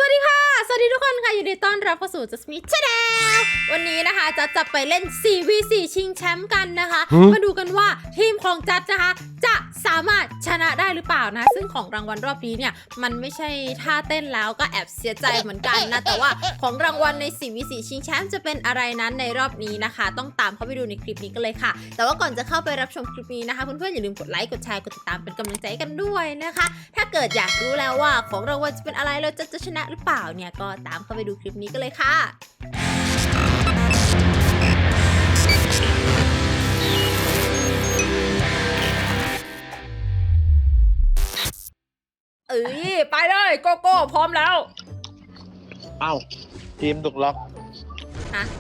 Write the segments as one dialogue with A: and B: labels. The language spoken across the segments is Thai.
A: สวัสดีค่ะสวัสดีทุกคนค่ะยินดีต้อนรับเข้าสู่ Jasmine Channel วันนี้นะคะจะไปเล่น 4v4 ชิงแชมป์กันนะคะมาดูกันว่าทีมของจัดนะคะจะสามารถชนะได้หรือเปล่านะซึ่งของรางวัลรอบนี้เนี่ยมันไม่ใช่ท่าเต้นแล้วก็แอบเสียใจเหมือนกันนะแต่ว่าของรางวัลใน 4v4 ชิงแชมป์จะเป็นอะไรนั้นในรอบนี้นะคะต้องตามเข้าไปดูในคลิปนี้กันเลยค่ะแต่ว่าก่อนจะเข้าไปรับชมคลิปนี้นะคะเพื่อนๆอย่าลืมกดไลค์กดแชร์กดติดตามเป็นกำลังใจกันด้วยนะคะถ้าเกิดอยากรู้แล้วว่าของรางวัลจะเป็นอะไรเราจะชนะหรือเปล่าเนี่ยก็ตามเข้าไปดูคลิปนี้กันเลยค่ะไปเลยโกโก้พร้อมแล้ว
B: เอ้าทีมถูกล็อก
A: ฮะ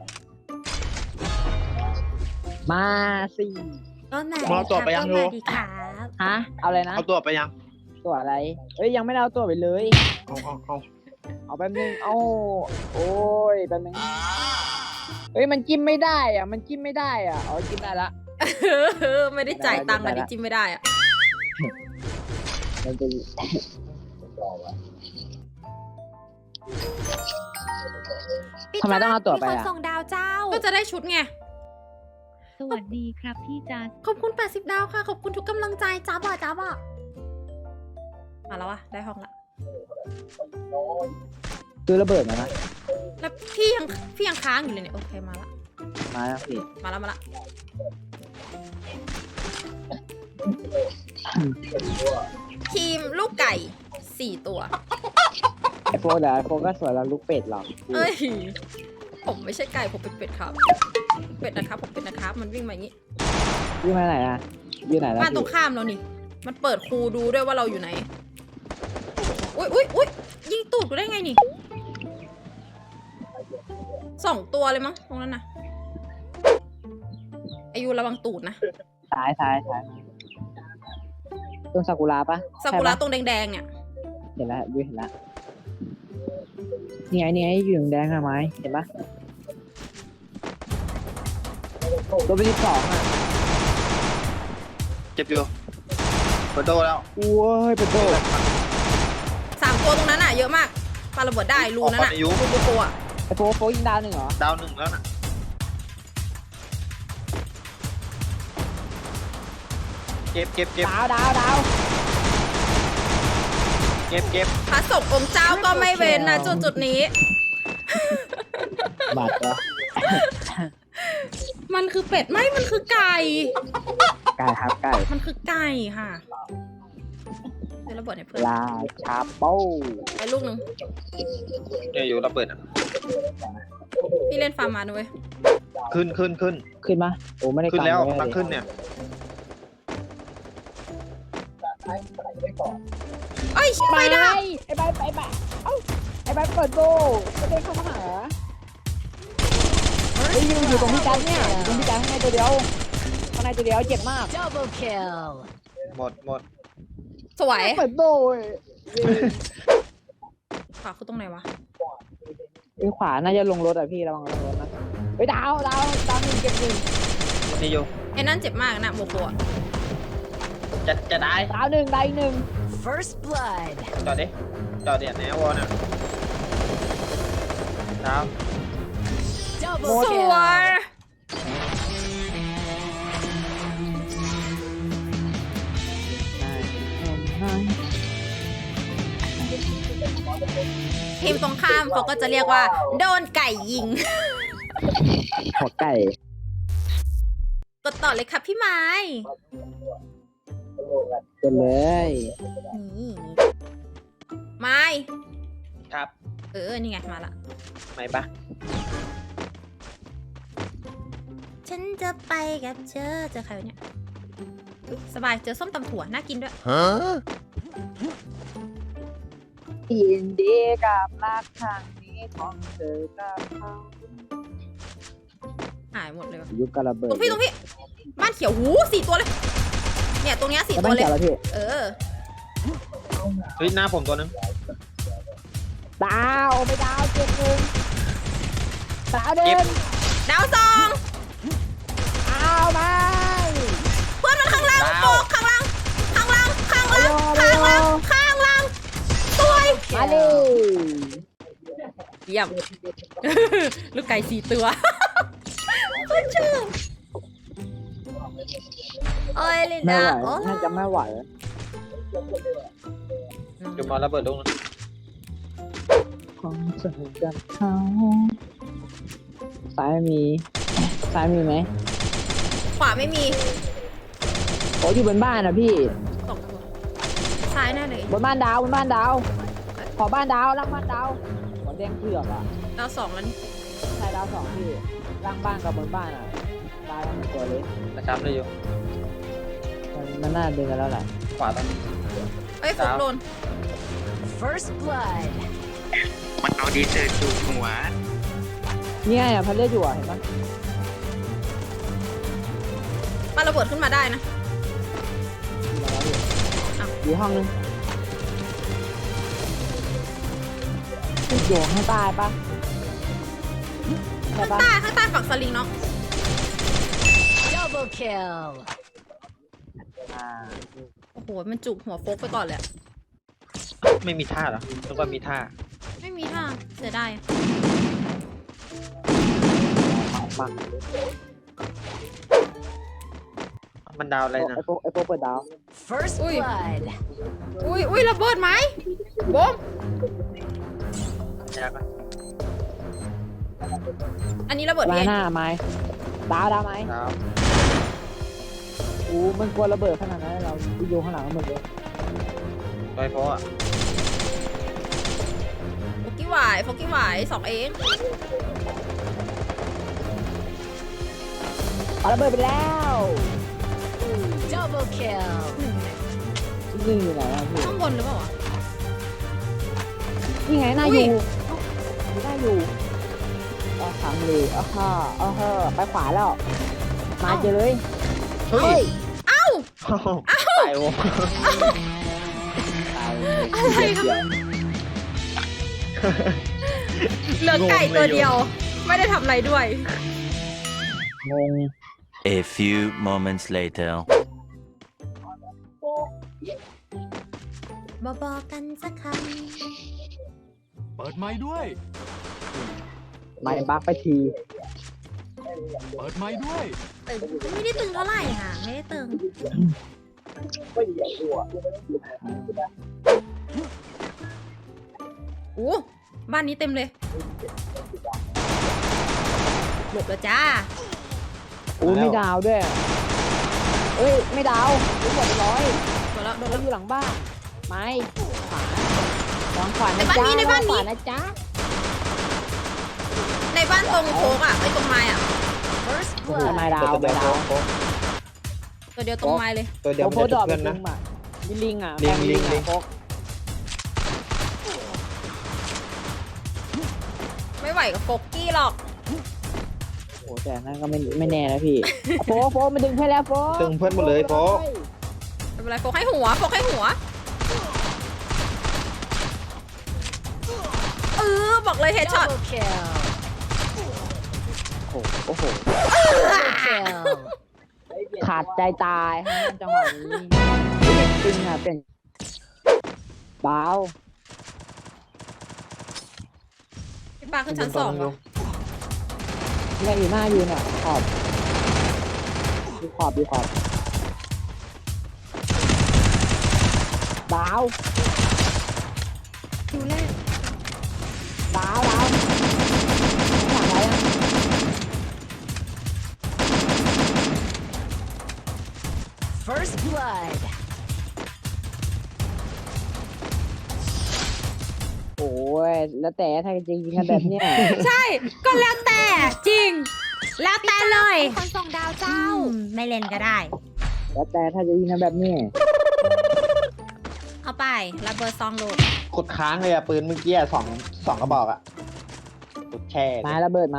C: มาสิ
A: ก็ไหน
B: มาตัวไปยังดู
A: ดีครับ
C: ฮะเอาอะไรนะ
B: เอาตัวไปยัง
C: ตัวอะไรเอ้ยยังไม่ได้เอาตัวไปเลยเอาแป๊บนึงโอ้ยแป๊บนึงเฮ้ยมันจิ้มไม่ได้อ่ะมันจิ้มไม่ได้อ่ะอ๋อจิ้มได้ละ
A: ไม่ได้จ่ายตังค์อะดิจิ้มไม่ได้อ่ะ
C: มันจะทำไมต้องเอาตัวไปอ่ะ
A: ส่งดาวเจ้าก็จะได้ชุดไง
D: สวัสดีครับพี่จัส
A: ขอบคุณ80ดาวค่ะขอบคุณทุกกำลังใจจ้าบ่มาแล้วอะได้ห้องละ
C: ซื้อระเบิดมานะ
A: แล้วพี่ยังค้างอยู่เลยเนี่ยโอเคมาแล้ว
C: พี่
A: มาแล้วทีมลูกไก่4ตัว
C: ไอโฟนเหรอไอโฟนก็สวยแล้วลูกเป็ดหรอ
A: เอ้ยผมไม่ใช่ไก่ผมเป็นเป็ดครับเป็ดนะครับผมเป็นนะครับมันวิ่งมาอย่างนี้
C: วิ่งมาไหนอะวิ่งไหนแล้ว
A: บ้านตรงข้ามเรานี่มันเปิดคูดูด้วยว่าเราอยู่ไหนอุ้ยยิงตูดกูได้ไงนี่2ตัวเลยมั้งตรงนั้นนะอายุระวังตูดนะ
C: ซ้ายต้นซากุระปะ
A: ซากุระตรงแดงๆเนี่ย
C: เห็นแล้วเห็นแล้วนี่ไงอยู่แดงอะไหมเห็นปะตัวเป็น12อ่ะ
B: เจ็บอยู่เปิดโดแล้ว
C: โอ้ยเปิดโด
A: 3ตัวตรงนั้นอ่ะเยอะมากปาระเบิดได้รูนั้นอ่ะรูโปอ่ะ
C: ไอโฟยิงดาว1เหรอ
B: ดาว1แล้วน่ะเก็บ
C: ดาว
B: เก็บ
A: พระศพองค์เจ้าก็ไม่เว้นนะจุดนี้
C: บาดเหรอ
A: มันคือเป็ดไม่มันคือไก่
C: ครับไก่
A: มันคือไก่ค่ะเดี๋ยวระเบิดให้เพื่อน
C: ลาชาโป้
A: ไอ้ลูกนึง
B: เนี่ยอยู่ระเบิดอ่ะ
A: พี่เล่นฟาร์มมาด้วย
B: ขึ้น
C: มาโอ้ไม่ได้
B: ขึ้นแล้วตั้งขึ้นเนี่ย
A: เอ้ยไปได้
C: ไอ้ใบเอ้าไอ้ใบเปิดโบก็เดินเข้ามาหาเฮ้ยอยู่ตรงพี่จันเนี่ยอยู่ตรงพี่จันข้างในตัวเดียวเจ็บมาก
D: Double kill
B: หมด
A: สวย
C: เปิดโบ
A: ขวาคือตรงไหนวะ
C: ขวาน่าจะลงรถอ่ะพี่ระวังลงรถนะไปดาวหนึ่งเก็บหนึ่ง
B: นี่อยู่
A: ไอ้นั่นเจ็บมากนะโมโกะ
B: จะได้
C: ดาวหนึ่ง
D: First blood
B: จอดดิแนววอลน่ะดาว
A: สวยทีมตรงข้ามเขาก็จะเรียกว่าโดนไก่ยิง
C: หัวไก่
A: กดต่อเลยครับพี่ไม้
C: กันเลย
A: นี่ไม้
B: ครับ
A: นี่ไงมาละ
B: ไม่ปะ
A: ฉันจะไปกับเจอใครเนี่ยสบายเจอส้มตำถั่วน่ากินด้วย
C: ยินดีกับรักครั้งนี้ของเธอกับเขา
A: หายหมดเลย
C: ยุคกระเบิด
A: ตรงพี่บ้านเขียวหู4ตัวเลยเนี่ยตรงเนี้ย4ตัวเลย
B: เฮ้ยหน้าผมตัวนึง
C: ดาวไปดาวเจ็บนึงดาวเดิน
A: ดาว2
C: เอามา
A: เพื่อนมันข้างล่างโปกข้างล่างสวย
C: มาดิ
A: เยี่ยม ลูกไก่4 ตัวก็ชอบโอ้ยลิน
C: ไม่
A: ดา
C: ไหว
A: โอ้
C: น่าจะไม่ไหว
B: อยู่มาระเบิดลูกนะ
C: ของฉันกับเขาซ้ายมีไหม
A: ขวาไม่มี
C: โอ้อยู่บนบ้านนะพี่
A: 2 ตัวซ้ายแน่เลย
C: บนบ้านดาว ขอบ้านดาวล่างบ้านดาวหัวแดงเผือกอ่ะ
A: ดาว 2แล้วนี่
C: ใช่ดาว2พี่ล่างบ้านกับบนบ้านอ่ะตายกันเป็นตัวเลย
B: ประจำเลยอยู่
C: มันน่าดึงกันแล้วแหละ
B: ขวาตอนนี้
A: เอ้ยฟุกโดน
D: First blood.
E: มันเอาดีเซอร์จูบหัว
C: นี่ไงอ่ะพันเลือดอยู่อ่ะเห็นปะ
A: ปาระเบิดขึ้นมาได้นะ
C: อยู่ห้องนึงอยู่ข้างใต้ปะใช่ปะ
A: ข้างใต้ฝั่งสลิงเนาะ
D: Double kill.
C: อ่า
A: โอ้โห มันจุกหัวโฟกไปก่อนเลยอะ
B: ไม่มีท่าเหรอนึกว่ามีท่า
A: ไม่มีท่าเสียดาย
C: ปัง
B: มันดาวอะไรนะ
C: ไอโฟเปิดดาว
D: First
A: Ui.
D: blood.
A: อุ้ยระเบิดไหมบม
B: ยากปะ
A: อันนี้ระเบิด
C: ไม้
A: เอง
C: หน้าไม้ดาวไหม
B: ดาว
C: อู้มันกลัวระเบิดขนาดนั้นเราอยู่ข้างหลังมันหมดเลย
B: โดยเพราะอ่ะ
A: โฟกี้หวาย2 เอง
C: เอาระเบิดไปแล้ว
D: Double kill.
C: นี่อยู่ไหนอ่ะพี่
A: ข้างบนหรือเปล่าวะ
C: นี่ไงหน้าอยู่หน้าอยู่เอาทำเลยไปขวาแล้ว มาเจอเลย
B: เฮ้ย
A: เอ้า
B: ตายวง
A: อะไรครับเหลือไก่ตัวเดียว ไม่ได้ทำอะไรด้วย
C: งง
F: A few moments later.
A: บอกกันสักค
G: เปิดไม้ด้วย
C: ไม่บักไปที
G: เปิดไม้ด้วย
A: ำตึงไม่ได้ตึงเท่าไหร่ค่ะ ไม่ได้ตึงโอ้บ้านนี้เต็มเลยหลบแล้วจ้า
C: อู้ไม่ดาวด้วยเอ้ยไม่ดาวรู้หมดไปร้อย
A: หมดแล้วโดน
C: เรา
A: แล้ว
C: อยู่หลังบ้านไม้ขวาหลังขวา
A: ใน
C: นะ
A: บ้าน
C: จ๊ะ
A: นี้ในบ้านนี้
C: ขวานะจ๊ะ
A: ในบ้านตรงโค้งอ่ะไอ้ตรงไม้อ่ะ
D: First
C: โอ้โห
D: blood.
C: ไม่ดาวไม่ดาว
A: ตัวเดียวตรงไม้เลย
B: ตัวเดียว
C: โอ้
B: มัน
C: โห
B: จะ
C: ด
B: จุ
C: อก ก
B: เพื่อนนะ
C: อ่ะมีลิงอ่ะ
B: ลิง
C: แป
B: ลิง
C: อ่ะ
B: ลิง
C: โฟก
A: ไม่ไหวกับโฟกกี้หรอก
C: โอ้แต่นั่นก็ไม่แน่นะพี่ โฟกมาดึงให้แล้วโฟก
B: ตึงเพื่อนหมดเลยโฟก
A: ไม่เป็นไรโฟกให้หัวบอกเลยเฮดช็อต
D: Double kill.
C: โอ้โห
D: Double kill.
C: ขาดใจตายฮะจังหวะนี้จริงอ่ะเป็นเบา
A: พี่ปาขึ้นชั้น2เหรอ
C: เนี่ยอยู่หน้าอยู่เนี่ยขอบดูขอบดาว
A: ดูแรก
C: ดาวหลังอะไรอ่ะ
D: First blood.
C: โอ้ยแล้วแต่ถ้าจริงๆกันแบบเนี้ย
A: ใช่ก็แล้วแต่จริง แล้วแต่เลยคนส่งดาวเจ้า ไม่เล่นก็ได้
C: แล้วแต่ถ้าจะยิงกันแบบเนี้ย
A: เอาไประเบิดซองลูก
B: กดค้างเลยอะปืนเมื่อกี้อะสองกระบอกอะกดแช่
C: ไม้ระเบิดไหม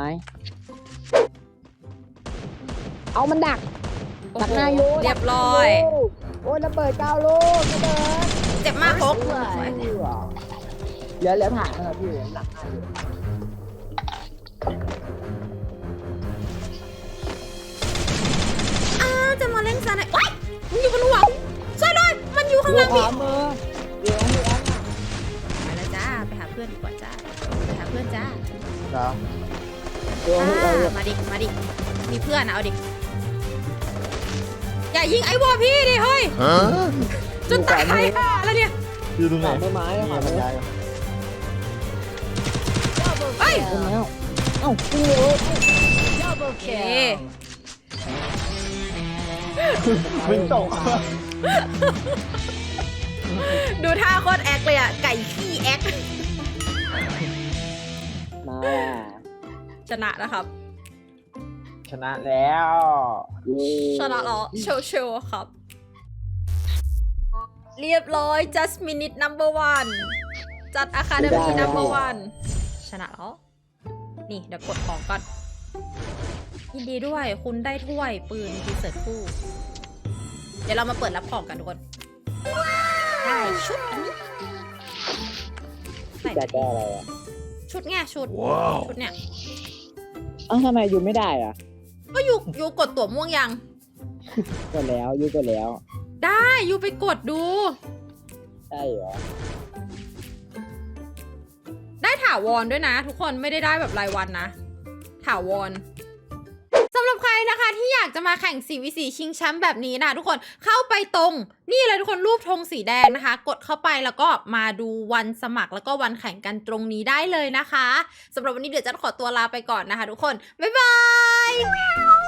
C: เอามันดัก ดักหน้าโย
A: เรียบร้อย
C: โอ้ยระเบิด9 ลูกระเบิด
A: เจ็บมากโฟก
C: เหลือผ่านนะครับพี่หลังหน้าอยู่
A: จะมาเล่นซะไหนว้ายมันอยู่บนหัวช่วยด้วยมันอยู่ข้างล่าง
C: ข
A: พี่
C: วามือเดี๋ยวพี่แอน
A: ไปแล้วจ้าไปหาเพื่อนดีกว่าจ้าไปหาพื่อนจ้า
B: เหรอ
A: มาดิ มาดิ มีเพื่อนนะเอาดิ อย่ายิงไอ้วอพี่ดิเฮ้ยจนตายห่าแล้วเนี่ย
B: อยู่ตรงไหน
C: ต้นไม้
B: นี่
C: อะ
B: มันยาย
D: Double
A: เฮ้ย
C: ต้น
D: kill.
C: ไม้เอ้าจริงเหรอ
D: Double
A: เอ
D: kill.
B: มึงตก
A: ดูท่าโคตรแอคเลยอ่ะ ไก่ขี้แอค
C: มา
A: ชนะนะครับ
B: ชนะแล้ว
A: ชนะแล้วเชลครับ เรียบร้อย just minute number one จัด academy number one ชนะแล้ว นี่เดี๋ยวกดของก่อน ยินดีด้วยคุณได้ถ้วยปืนดีเซิร์ตคู่ เดี๋ยวเรามาเปิดรับของกันทุกคน ได้ชุดอันนี้ใส่
C: จะแก้อะไรอ่ะ
A: ชุดไงชุด ชุดเนี่ย
C: เอ้าทำไมอยู่ไม่ได้อ่ะ
A: ก็ยูกดตั๋วม่วงยัง
C: กดแล้วอยู่กดแล้ว
A: ได้ยูไปกดดู
C: ใช่เหรอ
A: ได้ถาวรด้วยนะ ทุกคนไม่ได้แบบรายวันนะ ถาวรสำหรับใครนะคะที่อยากจะมาแข่ง 4v4 ชิงแชมป์แบบนี้นะทุกคนเข้าไปตรงนี่เลยทุกคนรูปธงสีแดงนะคะ กดเข้าไปแล้วก็มาดูวันสมัครแล้วก็วันแข่งกันตรงนี้ได้เลยนะคะสำหรับวันนี้เดี๋ยวจะขอตัวลาไปก่อนนะคะทุกคนบ๊ายบาย